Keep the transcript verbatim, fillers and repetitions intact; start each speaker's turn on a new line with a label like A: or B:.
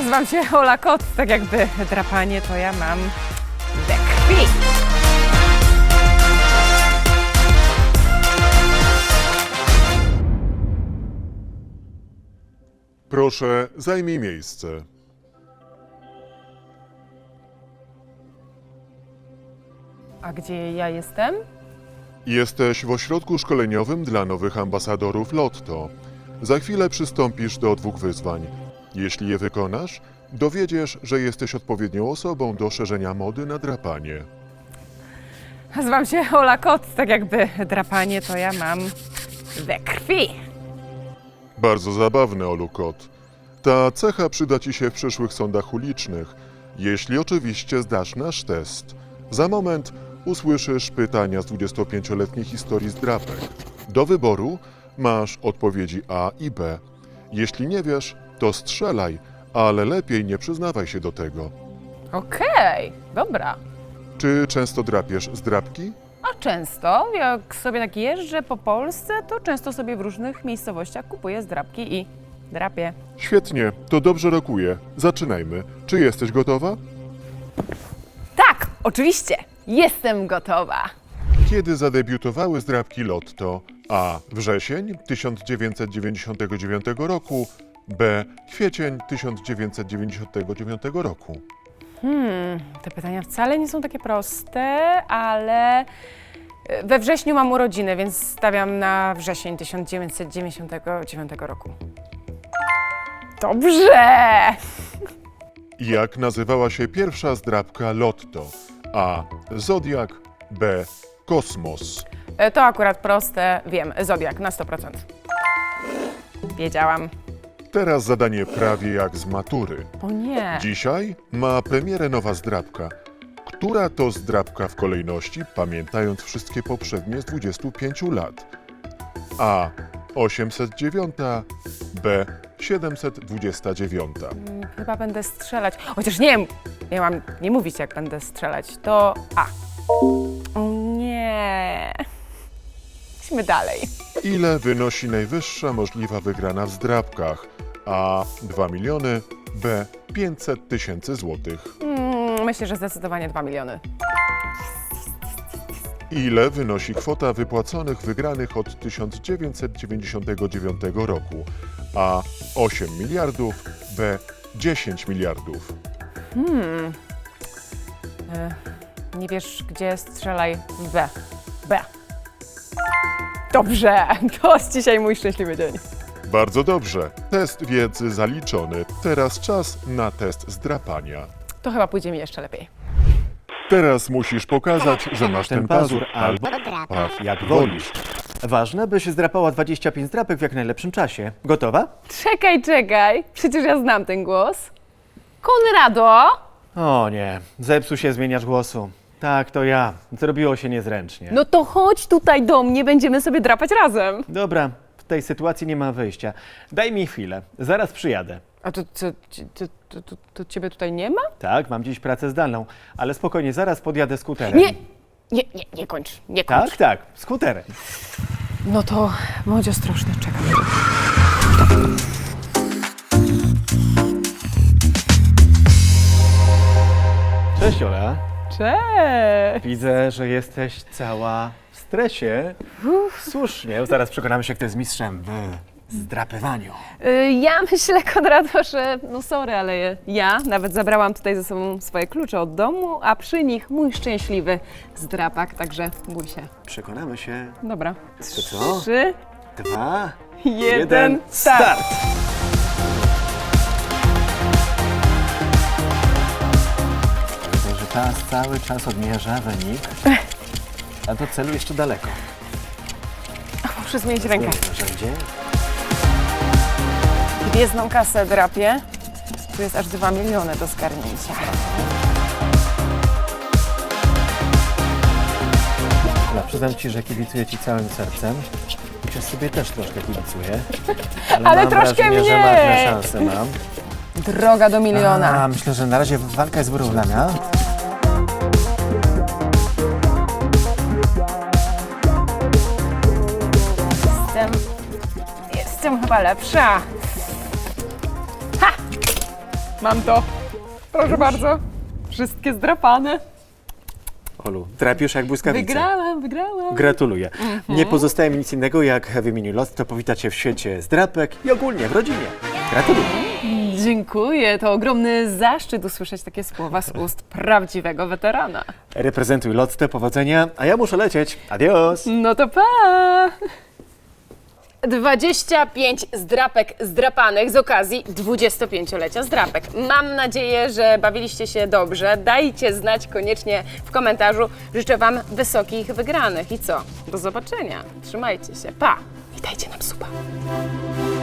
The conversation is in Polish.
A: Nazywam się Ola Kot, tak jakby drapanie to ja mam we krwi.
B: Proszę, zajmij miejsce.
A: A gdzie ja jestem?
B: Jesteś w ośrodku szkoleniowym dla nowych ambasadorów Lotto. Za chwilę przystąpisz do dwóch wyzwań. Jeśli je wykonasz, dowiedziesz, że jesteś odpowiednią osobą do szerzenia mody na drapanie.
A: Nazywam się Ola Kot, tak jakby drapanie to ja mam we krwi.
B: Bardzo zabawne, Olu Kot. Ta cecha przyda Ci się w przyszłych sądach ulicznych, jeśli oczywiście zdasz nasz test. Za moment usłyszysz pytania z dwudziestopięcioletniej historii zdrapek. Do wyboru masz odpowiedzi A i B. Jeśli nie wiesz, to strzelaj, ale lepiej nie przyznawaj się do tego.
A: Okej, dobra.
B: Czy często drapiesz zdrapki?
A: A często, jak sobie tak jeżdżę po Polsce, to często sobie w różnych miejscowościach kupuję zdrapki i drapię.
B: Świetnie, to dobrze rokuje. Zaczynajmy. Czy jesteś gotowa?
A: Tak, oczywiście, jestem gotowa.
B: Kiedy zadebiutowały zdrapki Lotto? A. Wrzesień tysiąc dziewięćset dziewięćdziesiątego dziewiątego roku. B. Kwiecień tysiąc dziewięćset dziewięćdziesiątego dziewiątego roku.
A: Hmm, te pytania wcale nie są takie proste, ale we wrześniu mam urodziny, więc stawiam na wrzesień tysiąc dziewięćset dziewięćdziesiątego dziewiątego roku. Dobrze!
B: Jak nazywała się pierwsza zdrapka Lotto? A. Zodiak. B. Kosmos.
A: E, To akurat proste, wiem, Zodiak na sto procent. Wiedziałam.
B: Teraz zadanie prawie jak z matury.
A: O nie.
B: Dzisiaj ma premierę nowa zdrapka. Która to zdrapka w kolejności, pamiętając wszystkie poprzednie z dwudziestu pięciu lat? A. osiemset dziewięć. B. siedemset dwadzieścia dziewięć.
A: Mm, Chyba będę strzelać. Chociaż nie, nie mam nie mówić, jak będę strzelać. To A. O nie. Idźmy dalej.
B: Ile wynosi najwyższa możliwa wygrana w zdrapkach? A. dwa miliony. B. pięćset tysięcy złotych.
A: Mm, myślę, że zdecydowanie dwa miliony.
B: Ile wynosi kwota wypłaconych wygranych od tysiąc dziewięćset dziewięćdziesiątego dziewiątego roku? A. osiem miliardów. B. dziesięć miliardów.
A: Hmm. E, nie wiesz, gdzie strzelaj? B. B. Dobrze, to jest dzisiaj mój szczęśliwy dzień.
B: Bardzo dobrze. Test wiedzy zaliczony. Teraz czas na test zdrapania.
A: To chyba pójdzie mi jeszcze lepiej.
B: Teraz musisz pokazać, że masz ten pazur albo
C: Paw jak wolisz. Ważne, byś zdrapała dwadzieścia pięć zdrapek w jak najlepszym czasie. Gotowa?
A: Czekaj, czekaj. Przecież ja znam ten głos. Konrado!
C: O nie, zepsuł się zmieniacz głosu. Tak, to ja. Zrobiło się niezręcznie.
A: No to chodź tutaj do mnie, będziemy sobie drapać razem.
C: Dobra, w tej sytuacji nie ma wyjścia. Daj mi chwilę, zaraz przyjadę.
A: A to, to, to, to, to, to ciebie tutaj nie ma?
C: Tak, mam dziś pracę zdalną, ale spokojnie, zaraz podjadę skuterem.
A: Nie, nie, nie, nie kończ, nie kończ.
C: Tak, tak, skuterem.
A: No to bądź ostrożny, czekam.
C: Cześć Ola.
A: Cześć!
C: Widzę, że jesteś cała w stresie. Słusznie, zaraz przekonamy się, kto jest mistrzem w zdrapywaniu.
A: Y, Ja myślę, Konrado, że no sorry, ale ja nawet zabrałam tutaj ze sobą swoje klucze od domu, a przy nich mój szczęśliwy zdrapak, także bój się.
C: Przekonamy się.
A: Dobra.
C: To co?
A: Trzy,
C: Dwa,
A: jeden, start!
C: Widzę, że czas cały czas odmierza wynik, a do celu jeszcze daleko.
A: Muszę zmienić rękę.
C: Narzędzie.
A: Gwiezdną kasę drapię. Tu jest aż dwa miliony do zgarnięcia.
C: Ola, przyznam Ci, że kibicuję Ci całym sercem. Chociaż sobie też troszkę kibicuję. Ale,
A: Ale
C: mam
A: troszkę
C: wrażenie, że
A: mniej.
C: marne szanse mam.
A: Droga do miliona.
C: A, myślę, że na razie walka jest wyrównana.
A: Jestem, jestem chyba lepsza. Ha! Mam to. Proszę bardzo. Wszystkie zdrapane.
C: Olu, drapiesz jak błyskawica.
A: Wygrałam, wygrałam.
C: Gratuluję. Nie pozostaje mi nic innego, jak w imieniu Lotto powitać się w świecie zdrapek i ogólnie w rodzinie. Gratuluję.
A: Dziękuję. To ogromny zaszczyt usłyszeć takie słowa z ust prawdziwego weterana.
C: Reprezentuj Lotto, powodzenia, a ja muszę lecieć. Adios.
A: No to pa! dwadzieścia pięć zdrapek zdrapanych z okazji dwudziestopięciolecia zdrapek. Mam nadzieję, że bawiliście się dobrze. Dajcie znać koniecznie w komentarzu. Życzę Wam wysokich wygranych. I co? Do zobaczenia. Trzymajcie się. Pa! I dajcie nam suba.